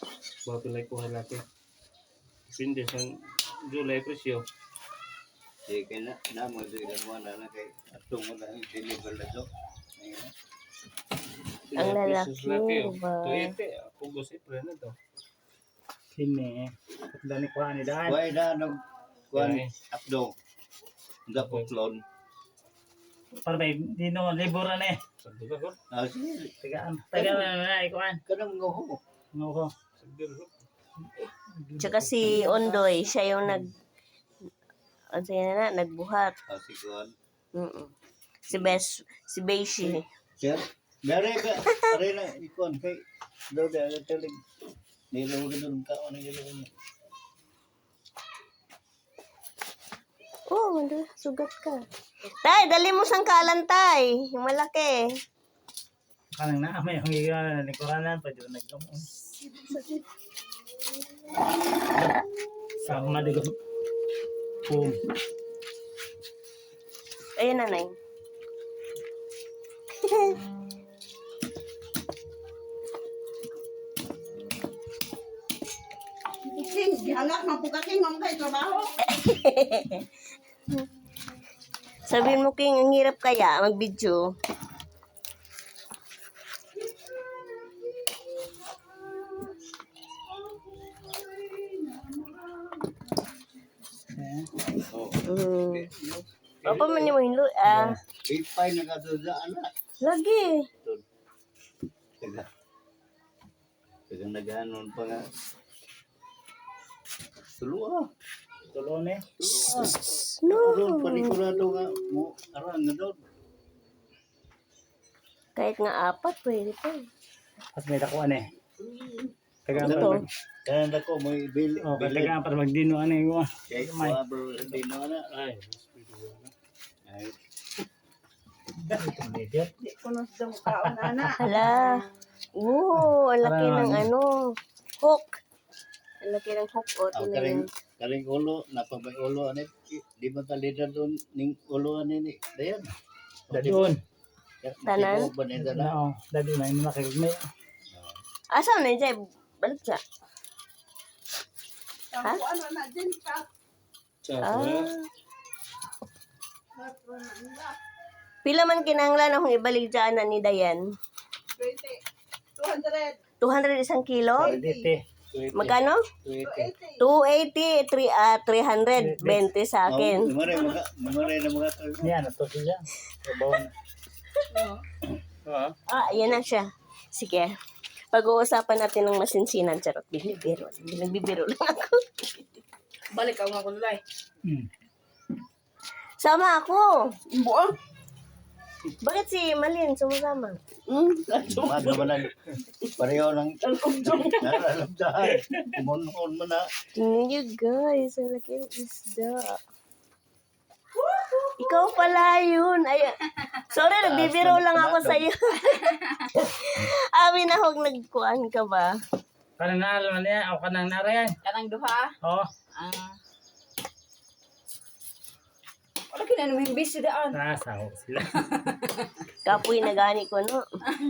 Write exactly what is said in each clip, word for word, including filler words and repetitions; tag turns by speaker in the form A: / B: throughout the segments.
A: Bago lang kuha natin. Depende sa July presyo.
B: Di kaya na, na mo doon mo na na kay atong mo na yung deliver na to.
C: Ang lalaki ba?
A: Tuyete, pugos April na to.
D: Sini. Dani ko ani daan.
B: Why na nag kuan
A: Yeah.
B: updo. Nga po clone.
D: Para may dino libur na eh.
A: Sagdo ka ko.
B: Ah, sige.
D: Tagaan. Tagaan na na ikuan.
B: Kanang ngo.
D: Ngo.
A: Sagdo ko.
C: Tsaka si Ondoy, siya yung nag... Ano siya na, nagbuhat.
B: Ah, si kuan.
C: Mm-mm. Si Bes, si Beishi.
B: Sir, dari ka, dari na ikuan kay daw da teling. Nilo ka doon ka ano yun.
C: Oh, manda, sugat ka. Tay, dali mo sang kalan, tay. Yung malaki.
D: Kanang na may ang iyan ni Koranan pa jud nagkamon. Sama digo. Pum.
C: Ayun, nanay.
E: Gihanap ng pugaking mong kayo trabaho.
C: Sabihin mo, King, ang hirap kaya mag-video.
B: Oh.
C: Mm. Apa man yung hinlo? Ah,
B: Ipay na ka doon sa ana.
C: lagi.
B: Taga. Taga naganon pa nga. Tulua.
D: Tulon eh.
B: Tulua.
C: No.
B: Doon panikurado nga mo arang nga doon.
C: Kahit nga apat, pwede pa.
D: At may dakuan eh. Tagaan
C: Ito.
D: pa.
B: Kaya na ko may bili.
D: Oh, tagaan pa magdino ani ko.
B: Kaya
D: May.
B: ko bro hindi no na.
A: Ay, mas pwede ko na.
B: Ay.
D: Idiot.
E: Di ko na sa mukhaon, ana.
C: Hala. Oo, ang laki
D: Parang
C: ng ano. Hook. Ang laki ng hook. O,
B: Ang
C: tinan
B: karing
C: mo.
B: karing ulo napabay ulo ani di ba talida doon ning ulo ani ni dayan.
D: Dadun.
C: Tanan?
B: Banida na.
D: No, dadun na ini makikme.
C: Asa na dyan? Balik siya. Ha?
E: Ako ano na din ka.
A: Sa
C: Ah. Pila man kinahanglan akong ibalik dyan na ni Dayan?
E: twenty. two hundred.
C: two hundred isang kilo?
D: Dite.
C: Magkano?
A: Tuyete.
C: two eighty, three, ah, three hundred twenty sa akin.
B: Mare mga mare na mga to.
D: Yan ato siya. Sabaw na.
A: Ah,
C: Ah, ayan na siya. Sige. Pag-uusapan natin ng masinsinan. Charot, bibiro. Bibiro lang ako.
E: Balik ako nga kulay.
D: Hmm.
C: Sama ako.
E: Buang.
C: Bakit si Malin sumasama?
E: Hmm.
B: Ano ba na pareho ng nararamdaman. Kumunhon mo na.
C: Tingnan niyo guys. Ang laki ng isda. Ikaw pala yun. Ay, sorry, nagbibiro lang ako sa iyo. Amin na huwag nagkuhan ka ba?
D: Kanang naalo na niya, ako kanang narayan.
E: Kanang duha.
D: Oh,
E: Ah. Wala kinanong busy daan.
D: nasaw sila.
C: Kapoy na gani ko, no?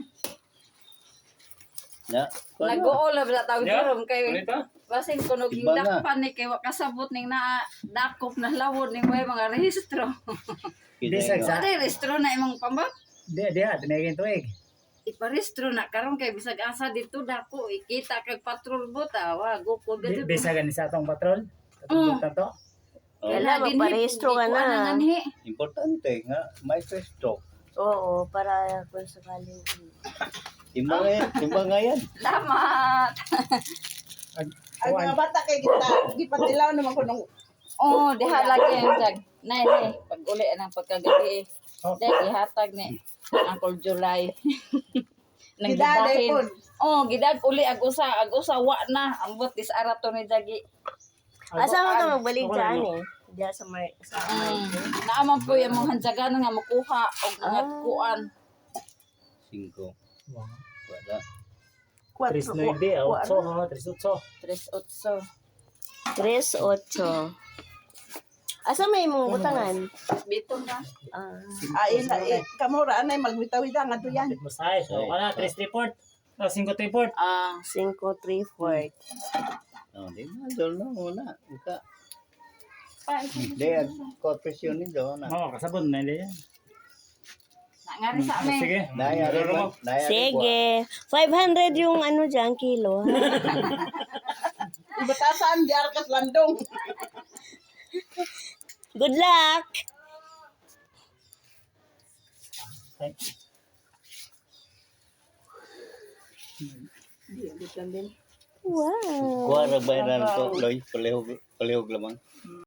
B: Na.
E: Nag-uolab na tawag
A: Yeah.
E: durom kay
A: Ulit ah.
E: basin kuno
B: Iba nga.
E: gindakpan ni kay wa kasabot ning na dakop na lawod ning may mga rehistro.
D: Hindi sa
E: Sa
D: sa.
E: rehistro na imong pambak.
D: Di di tinigin tuig.
E: Iparehistro na karon kay bisag asa dito dako ikita kag patrol bota wa go ko
D: Di
E: dito.
D: bisa gani sa atong patrol.
E: Mm.
D: Tatong to.
C: Kailan magparehistro ka na.
B: Importante nga may pesto.
C: Oo, para kung sakaling...
B: Timba nga yan. Timba nga yan.
E: Salamat.
D: Ag
E: Ang
D: kuwan.
E: mga bata kay kita gipatilaw naman ko nung oh, diha lagi ang tag. Nay, nay, pag uli ang pagkagabi.
D: Oh.
E: Dahil gihatag ni Uncle July. Nang Gidaday gibahin. pod. Oh, gidag uli ag usa, ag usa wa na. Ang butis arato ni Jagi.
C: Asa mo ka magbalik dyan eh? Diyan sa Mar... Sa
E: Mm. Naaman po yung mga handyagan nga makuha o mga
C: Ah.
E: kuan.
B: Cinco.
D: Wow.
B: Wala.
D: Tres nueve, ocho, oh, tres ocho.
E: Tres otso.
C: Tres, ocho. Asa may mong butangan?
E: Bito na.
C: Ah.
E: Ay na eh kamura anay magbitaw ida nga to yan.
D: Mo size. So, kana tres report. Oh, cinco three four.
E: Ah,
C: Cinco, three, four.
B: Oh, di ba? Doon na muna. Ika.
E: pa ito.
B: Di, ko presyon ni doon na.
D: Oo, kasabon na hindi yan.
E: Nangari sa amin.
D: Sige.
B: Daya rin ba? Daya rin ba?
C: Sige. five hundred yung ano dyan, kilo. ha?
E: Ibatasan, jar kas landong.
C: Good luck! Wow!
B: Kuha ra ba na to, Loy? Palihog, palihog lamang.